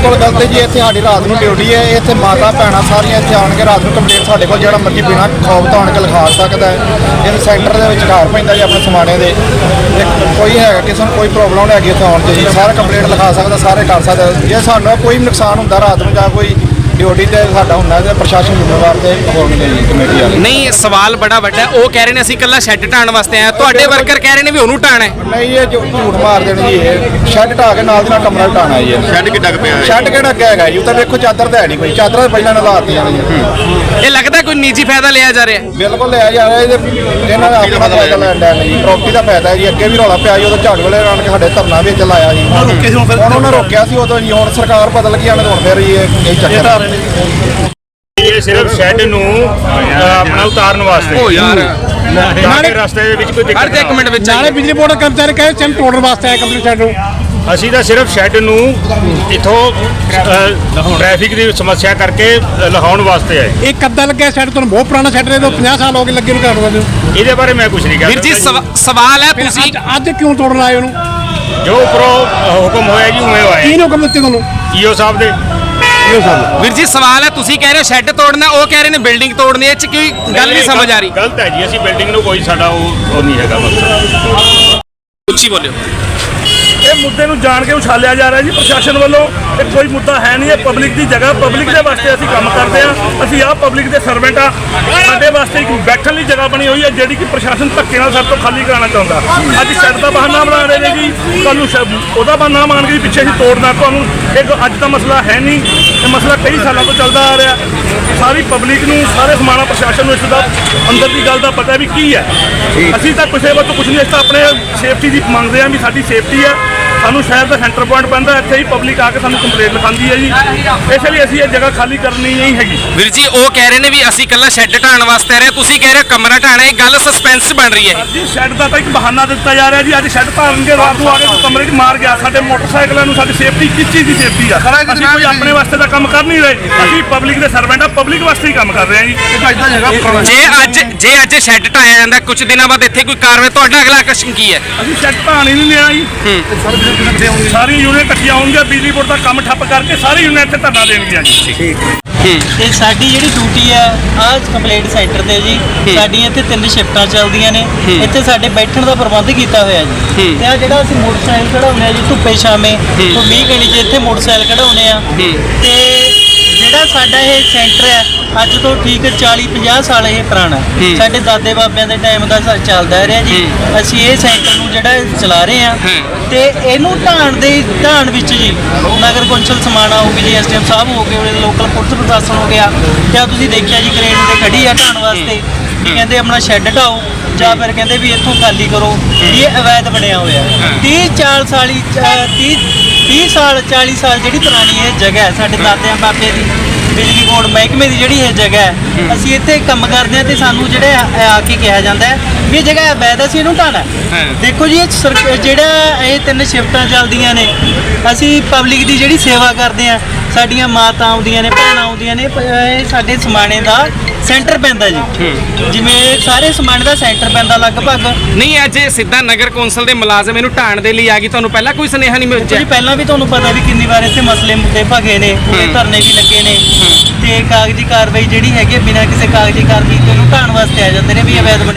ਬਿਲਕੁਲ ਗਲਤ ਜੀ। ਇੱਥੇ ਸਾਡੀ ਰਾਤ ਨੂੰ ਡਿਊਟੀ ਹੈ। ਇੱਥੇ ਮਾਤਾ ਭੈਣਾਂ ਸਾਰੀਆਂ ਇੱਥੇ ਆਣ ਕੇ ਰਾਤ ਨੂੰ ਕੰਪਲੇਂਟ ਸਾਡੇ ਕੋਲ ਜਿਹੜਾ ਮਰਜ਼ੀ ਬਿਨਾਂ ਖੌਫ ਤੋਂ ਆਣ ਕੇ ਲਿਖਾ ਸਕਦਾ ਹੈ। ਇਹ ਸੈਂਟਰ ਦੇ ਵਿੱਚ ਘਰ ਪੈਂਦਾ ਜੀ ਆਪਣੇ ਸਮਾਣੇ ਦੇ। ਕੋਈ ਹੈਗਾ ਕਿਸੇ ਨੂੰ ਕੋਈ ਪ੍ਰੋਬਲਮ ਨਹੀਂ ਹੈਗੀ ਇੱਥੇ ਆਉਣ 'ਚ ਜੀ, ਸਾਰਾ ਕੰਪਲੇਂਟ ਲਿਖਾ ਸਕਦਾ, ਸਾਰੇ ਕਰ ਸਕਦਾ। ਜੇ ਸਾਨੂੰ ਕੋਈ ਨੁਕਸਾਨ ਹੁੰਦਾ ਰਾਤ ਨੂੰ ਜਾਂ ਕੋਈ ਡਿਊਟੀ ਤੇ ਸਾਡਾ ਹੁੰਦਾ ਤੇ ਪ੍ਰਸ਼ਾਸਨ ਜ਼ਿੰਮੇਵਾਰ ਤੇ ਹੋਣਗੇ ਜੀ ਕਮੇਟੀ ਵਾਲੇ। ਨਹੀਂ ਸਵਾਲ ਬੜਾ ਵੱਡਾ, ਉਹ ਕਹਿ ਰਹੇ ਨੇ ਅਸੀਂ ਇਕੱਲਾ ਸ਼ੈੱਡ ਢਾਣ ਵਾਸਤੇ ਆਏ, ਤੁਹਾਡੇ ਵਰਕਰ ਕਹਿ ਰਹੇ ਨੇ ਵੀ ਉਹਨੂੰ ਢਾਣਾ ਹੈ। ਨਹੀਂ ਇਹ ਝੂਠ ਮਾਰ ਦੇਣ ਜੀ। ਇਹ ਸ਼ੈੱਡ ਢਾ ਕੇ ਨਾਲ ਦੀ ਨਾਲ ਕਮਰਾ ਢਾਣਾ ਜੀ। ਸ਼ੈੱਡ ਕਿੱਡਾ ਕੁ ਪਿਆ ਹੈ? ਸ਼ੈੱਡ ਕਿਹੜਾ ਅੱਗੇ ਹੈਗਾ ਜੀ? ਉਹ ਤਾਂ ਵੇਖੋ ਚਾਦਰ ਤਾਂ ਹੈ ਨਹੀਂ ਕੋਈ, ਚਾਦਰਾਂ ਤਾਂ ਪਹਿਲਾਂ ਲਾਤੀਆਂ ਨੇ ਜੀ। ਇਹ ਲੱਗਦਾ ਕੋਈ ਨਿੱਜੀ ਫਾਇਦਾ ਲਿਆ ਜਾ ਰਿਹਾ। ਬਿਲਕੁਲ ਲਿਆ ਜਾ ਰਿਹਾ। ਇਹਨਾਂ ਦਾ ਆਪਣਾ ਫਾਇਦਾ ਲੈਣ ਦਾ ਜੀ, ਪ੍ਰਾਪਰਟੀ ਦਾ ਫਾਇਦਾ ਜੀ। ਅੱਗੇ ਵੀ ਰੌਲਾ ਪਿਆ ਜੀ, ਉਦੋਂ ਝਾੜੂ ਵਾਲੇ ਆਣ ਕੇ ਸਾਡੇ ਧਰਨਾ ਵਿੱਚ ਲਾਇਆ ਜੀ। ਉਹਨਾਂ ਰੋਕਿਆ ਸੀ ਉਦੋਂ ਜੀ, ਹੁਣ ਸਰਕਾਰ ਬਦਲ ਗਈ ਆਣ ਹੁਣ ਫਿਰ ਇਹ ਚੱਕਰ। ਇਹ ਸਿਰਫ ਸ਼ੈੱਡ ਨੂੰ ਆਪਣਾ ਉਤਾਰਨ ਵਾਸਤੇ। ਓ ਯਾਰ ਨਾਲੇ ਰਸਤੇ ਦੇ ਵਿੱਚ ਕੋਈ ਦਿੱਕਤ ਹਰ ਇੱਕ ਮਿੰਟ ਵਿੱਚ ਨਾਲੇ ਬਿਜਲੀ ਬੋਰਡ ਦੇ ਕਰਮਚਾਰੀ ਕਹੇ ਚੰਨ ਤੋੜਨ ਵਾਸਤੇ ਆਏ ਕੰਪਨੀ ਸ਼ੈੱਡ ਨੂੰ। ਅਸੀਂ ਤਾਂ ਸਿਰਫ ਸ਼ੈੱਡ ਨੂੰ ਇਥੋਂ ਟ੍ਰੈਫਿਕ ਦੀ ਸਮੱਸਿਆ ਕਰਕੇ ਲਹਾਉਣ ਵਾਸਤੇ ਆਏ। ਇਹ ਕੱਦਾ ਲੱਗਿਆ ਸ਼ੈੱਡ ਤੁਹਾਨੂੰ ਬਹੁਤ ਪੁਰਾਣਾ ਸ਼ੈੱਡ ਨੇ, 50 ਸਾਲ ਹੋ ਗਏ ਲੱਗੇ ਨੂੰ ਕਰਨ ਨੂੰ। ਇਹਦੇ ਬਾਰੇ ਮੈਂ ਕੁਝ ਨਹੀਂ ਵੀਰ ਜੀ ਕਹਿ ਸਵਾਲ ਹੈ ਤੁਸੀਂ ਅੱਜ ਕਿਉਂ ਤੋੜਨ ਆਏ ਉਹਨੂੰ? ਜੋ ਉੱਪਰੋਂ ਹੁਕਮ ਹੋਇਆ ਜੀ ਉਵੇਂ ਆਏ। ਕਿਹਨੇ ਹੁਕਮ ਦਿੱਤੇ ਤੁਹਾਨੂੰ? ਈਓ ਸਾਹਿਬ ਦੇ। ਵੀਰ ਜੀ ਸਵਾਲ ਹੈ, ਤੁਸੀਂ ਕਹਿ ਰਹੇ ਹੋ ਸ਼ੈੱਡ ਤੋੜਨਾ, ਉਹ ਕਹਿ ਰਹੇ ਨੇ ਬਿਲਡਿੰਗ ਤੋੜਨੀ। ਇਹ ਚ ਕੋਈ ਗੱਲ ਨਹੀਂ ਸਮਝ ਆ ਰਹੀ। ਗਲਤ ਹੈ ਜੀ। ਅਸੀਂ ਬਿਲਡਿੰਗ ਨੂੰ ਕੋਈ ਸਾਡਾ ਉਹ ਨਹੀਂ ਹੈਗਾ ਮਕਸਦ। ਉੱਚੀ ਬੋਲਿਓ। ਇਹ ਮੁੱਦੇ ਨੂੰ ਜਾਣ ਕੇ ਉਛਾਲਿਆ ਜਾ ਰਿਹਾ ਜੀ ਪ੍ਰਸ਼ਾਸਨ ਵੱਲੋਂ। ਇਹ ਕੋਈ ਮੁੱਦਾ ਹੈ ਨਹੀਂ। ਇਹ ਪਬਲਿਕ ਦੀ ਜਗ੍ਹਾ, ਪਬਲਿਕ ਦੇ ਵਾਸਤੇ ਅਸੀਂ ਕੰਮ ਕਰਦੇ ਹਾਂ। ਅਸੀਂ ਆਪ ਪਬਲਿਕ ਦੇ ਸਰਵੈਂਟ ਆ। ਸਾਡੇ ਵਾਸਤੇ ਇੱਕ ਬੈਠਣ ਲਈ ਜਗ੍ਹਾ ਬਣੀ ਹੋਈ ਹੈ ਜਿਹੜੀ ਕਿ ਪ੍ਰਸ਼ਾਸਨ ਧੱਕੇ ਨਾਲ ਸਾਡੇ ਤੋਂ ਖਾਲੀ ਕਰਾਉਣਾ ਚਾਹੁੰਦਾ। ਅੱਜ ਸ਼ੈੱਡ ਦਾ ਬਹਾਨਾ ਬਣਾ ਰਹੇ ਨੇ ਜੀ, ਕੱਲ੍ਹ ਨੂੰ ਉਹਦਾ ਬਹਾਨਾ ਮੰਨ ਕੇ ਪਿੱਛੇ ਅਸੀਂ ਤੋੜਨਾ ਤੁਹਾਨੂੰ। ਇਹ ਅੱਜ ਦਾ ਮਸਲਾ ਹੈ ਨਹੀਂ, ਇਹ ਮਸਲਾ ਕਈ ਸਾਲਾਂ ਤੋਂ ਚੱਲਦਾ ਆ ਰਿਹਾ। ਸਾਰੀ ਪਬਲਿਕ ਨੂੰ, ਸਾਰੇ ਸਮਾਣਾ ਪ੍ਰਸ਼ਾਸਨ ਨੂੰ ਇਸ ਦਾ ਅੰਦਰ ਦੀ ਗੱਲ ਦਾ ਪਤਾ ਵੀ ਕੀ ਹੈ। ਅਸੀਂ ਤਾਂ ਕਿਸੇ ਵੱਲੋਂ ਕੁਝ ਨਹੀਂ, ਅਸੀਂ ਤਾਂ ਆਪਣੇ ਸੇਫਟੀ ਦੀ ਮੰਗਦੇ ਹਾਂ ਵੀ ਸਾਡੀ ਸੇਫਟੀ ਹੈ। ਸਾਨੂੰ ਸ਼ਹਿਰ ਦਾ ਸੈਂਟਰ ਪੁਆਇੰਟ ਪੈਂਦਾ, ਇੱਥੇ ਹੀ ਪਬਲਿਕ ਆ ਕੇ ਸਾਨੂੰ ਕੰਪਲੇਂਟ ਲਿਖਾਉਂਦੀ ਹੈ ਜੀ। ਇਸ ਲਈ ਅਸੀਂ ਇਹ ਜਗ੍ਹਾ ਖਾਲੀ ਕਰਨੀ ਨਹੀਂ ਹੈਗੀ। ਵੀਰ ਜੀ ਉਹ ਕਹਿ ਰਹੇ ਨੇ ਵੀ ਅਸੀਂ ਇਕੱਲਾ ਸ਼ੈੱਡ ਢਾਣ ਵਾਸਤੇ ਆ ਰਹੇ, ਤੁਸੀਂ ਕਹਿ ਰਹੇ ਹੋ ਕਮਰਾ ਢਾਣਾ। ਇਹ ਗੱਲ ਸਸਪੈਂਸ ਬਣ ਰਹੀ ਹੈ ਜੀ। ਸ਼ੈੱਡ ਦਾ ਤਾਂ ਇੱਕ ਬਹਾਨਾ ਦਿੱਤਾ ਜਾ ਰਿਹਾ ਜੀ। ਅੱਜ ਸ਼ੈੱਡ ਧਾਰਨਗੇ, ਰਾਤ ਨੂੰ ਆ ਕੇ ਕੋਈ ਕਮਰੇ 'ਚ ਮਾਰ ਗਿਆ। ਸਾਡੇ ਮੋਟਰਸਾਈਕਲਾਂ ਨੂੰ ਸਾਡੀ ਸੇਫਟੀ, ਕਿਸ ਚੀਜ਼ ਦੀ ਸੇਫਟੀ ਆ? ਅਸੀਂ ਕੋਈ ਆਪਣੇ ਵਾਸਤੇ ਤਾਂ ਕੰਮ ਕਰ ਨਹੀਂ ਰਹੇ। ਅਸੀਂ ਪਬਲਿਕ ਦੇ ਸਰਵੈਂਟ ਆ, ਪਬਲਿਕ ਵਾਸਤੇ ਹੀ ਕੰਮ ਕਰ ਰਹੇ ਹਾਂ ਜੀ। ਜੇ ਅੱਜ ਸ਼ੈੱਡ ਢਾਇਆ ਜਾਂਦਾ, ਕੁਝ ਦਿਨਾਂ ਬਾਅਦ ਇੱਥੇ ਕੋਈ ਕਾਰਵਾਈ, ਤੁਹਾਡਾ ਅਗਲਾ ਐਕਸ਼ਨ ਕੀ ਹੈ? ਅਸੀਂ ਸ਼ੈੱਡ ਢਾਣ ਹੀ ਨਹੀਂ ਲੈਣਾ ਜੀ। ਸਾਰੀ ਯੂਨੀਅਨ ਇਕੱਠੀਆਂ ਹੋਣਗੀਆਂ, ਬਿਜਲੀ ਬੋਰਡ ਦਾ ਕੰਮ ਠੱਪ ਕਰਕੇ ਸਾਰੀ ਯੂਨੀਅਨ ਇੱਥੇ ਧਰਨਾ ਦੇਣਗੀਆਂ ਜੀ। ਤੇ ਸਾਡੀ ਜਿਹੜੀ ਡਿਊਟੀ ਆ ਆਹ ਕੰਪਲੇਂਟ ਸੈਂਟਰ ਤੇ ਜੀ, ਸਾਡੀਆਂ ਇੱਥੇ 3 ਸ਼ਿਫਟਾਂ ਚੱਲਦੀਆਂ ਨੇ। ਇੱਥੇ ਸਾਡੇ ਬੈਠਣ ਦਾ ਪ੍ਰਬੰਧ ਕੀਤਾ ਹੋਇਆ ਜੀ। ਤੇ ਆ ਜਿਹੜਾ ਅਸੀਂ ਮੋਟਰਸਾਈਕਲ ਕਢਾਉਂਦੇ ਆ ਜੀ ਧੁੱਪੇ ਛਾਵੇਂ, ਤੋਂ 20 ਘੰਟੇ 'ਚ ਇੱਥੇ ਮੋਟਰਸਾਈਕਲ ਕਢਾਉਂਦੇ ਆ। ਤੇ ਜਿਹੜਾ ਸਾਡਾ ਇਹ ਸੈਂਟਰ ਹੈ ਅੱਜ ਤੋਂ ਠੀਕ 40-50 ਸਾਲ ਇਹ ਪੁਰਾਣਾ, ਸਾਡੇ ਦਾਦੇ ਬਾਬਿਆਂ ਦੇ ਟਾਈਮ ਦਾ ਚੱਲਦਾ ਰਿਹਾ ਜੀ। ਅਸੀਂ ਇਹ ਸੈਂਟਰ ਨੂੰ ਜਿਹੜਾ ਚਲਾ ਰਹੇ ਆ ਤੇ ਇਹਨੂੰ ਢਾਣ ਵਿੱਚ ਜੀ ਨਗਰ ਕੌਂਸਲ ਸਮਾਣਾ ਹੋ ਗਈ ਜੀ, ਐਸਡੀਐਮ ਸਾਹਿਬ ਹੋ ਗਏ, ਲੋਕਲ ਪੁਲਿਸ ਪ੍ਰਸ਼ਾਸਨ ਹੋ ਗਿਆ। ਤੇ ਤੁਸੀਂ ਦੇਖਿਆ ਜੀ ਕਰੇਨ ਤੇ ਖੜੀ ਆ ਢਾਣ ਵਾਸਤੇ, ਵੀ ਕਹਿੰਦੇ ਆਪਣਾ ਸ਼ੈੱਡ ਢਾਓ ਜਾਂ ਫਿਰ ਕਹਿੰਦੇ ਵੀ ਇੱਥੋਂ ਖਾਲੀ ਕਰੋ। ਇਹ ਅਵੈਧ ਬਣਿਆ ਹੋਇਆ। 30 ਸਾਲ 40 ਸਾਲ ਜਿਹੜੀ ਪੁਰਾਣੀ ਇਹ ਜਗ੍ਹਾ ਹੈ ਸਾਡੇ ਦਾਦਿਆਂ ਬਾਬੇ ਦੀ, ਬਿਜਲੀ ਬੋਰਡ ਮਹਿਕਮੇ ਦੀ ਜਿਹੜੀ ਇਹ ਜਗ੍ਹਾ ਹੈ, ਅਸੀਂ ਇੱਥੇ ਕੰਮ ਕਰਦੇ ਹਾਂ ਤੇ ਸਾਨੂੰ ਜਿਹੜੇ ਆ ਕੇ ਕਿਹਾ ਜਾਂਦਾ ਹੈ ਵੀ ਇਹ ਜਗ੍ਹਾ ਅਵੈਧ, ਅਸੀਂ ਇਹਨੂੰ ਢਾਣਾ। ਦੇਖੋ ਜੀ ਜਿਹੜਾ ਇਹ 3 ਸ਼ਿਫਟਾਂ ਚੱਲਦੀਆਂ ਨੇ, ਅਸੀਂ ਪਬਲਿਕ ਦੀ ਜਿਹੜੀ ਸੇਵਾ ਕਰਦੇ ਹਾਂ। ਸਾਡੀਆਂ ਮਾਤਾ ਆਉਂਦੀਆਂ ਨੇ, ਭੈਣਾਂ ਆਉਂਦੀਆਂ ਨੇ। ਇਹ ਸਾਡੇ ਸਮਾਣੇ ਦਾ ਸੈਂਟਰ ਪੈਂਦਾ ਜੀ, ਜਿਵੇਂ ਸਾਰੇ ਸਮਾਣੇ ਦਾ ਸੈਂਟਰ ਪੈਂਦਾ ਲਗਭਗ। ਨਹੀਂ ਅੱਜ ਸਿੱਧਾ ਨਗਰ ਕੌਂਸਲ ਦੇ ਮੁਲਾਜ਼ਮ ਇਹਨੂੰ ਢਾਣ ਦੇ ਲਈ ਆ ਗਈ, ਤੁਹਾਨੂੰ ਪਹਿਲਾਂ ਕੋਈ ਸੁਨੇਹਾ ਨਹੀਂ ਮਿਲਿਆ ਜੀ? ਪਹਿਲਾਂ ਵੀ ਤੁਹਾਨੂੰ ਪਤਾ ਵੀ ਕਿੰਨੀ ਵਾਰ ਇੱਥੇ ਮਸਲੇ ਮੁੱਦੇ ਭਗੇ ਨੇ, ਪੂਰੇ ਧਰਨੇ ਵੀ ਲੱਗੇ ਨੇ ਤੇ ਕਾਗਜ਼ੀ ਕਾਰਵਾਈ ਜਿਹੜੀ ਹੈਗੀ ਬਿਨਾਂ ਕਿਸੇ ਕਾਗਜ਼ੀ ਕਾਰਵਾਈ ਤੋਂ ਇਹਨੂੰ ਢਾਣ ਵਾਸਤੇ ਆ ਜਾਂਦੇ ਨੇ ਵੀ ਅਵੈਧ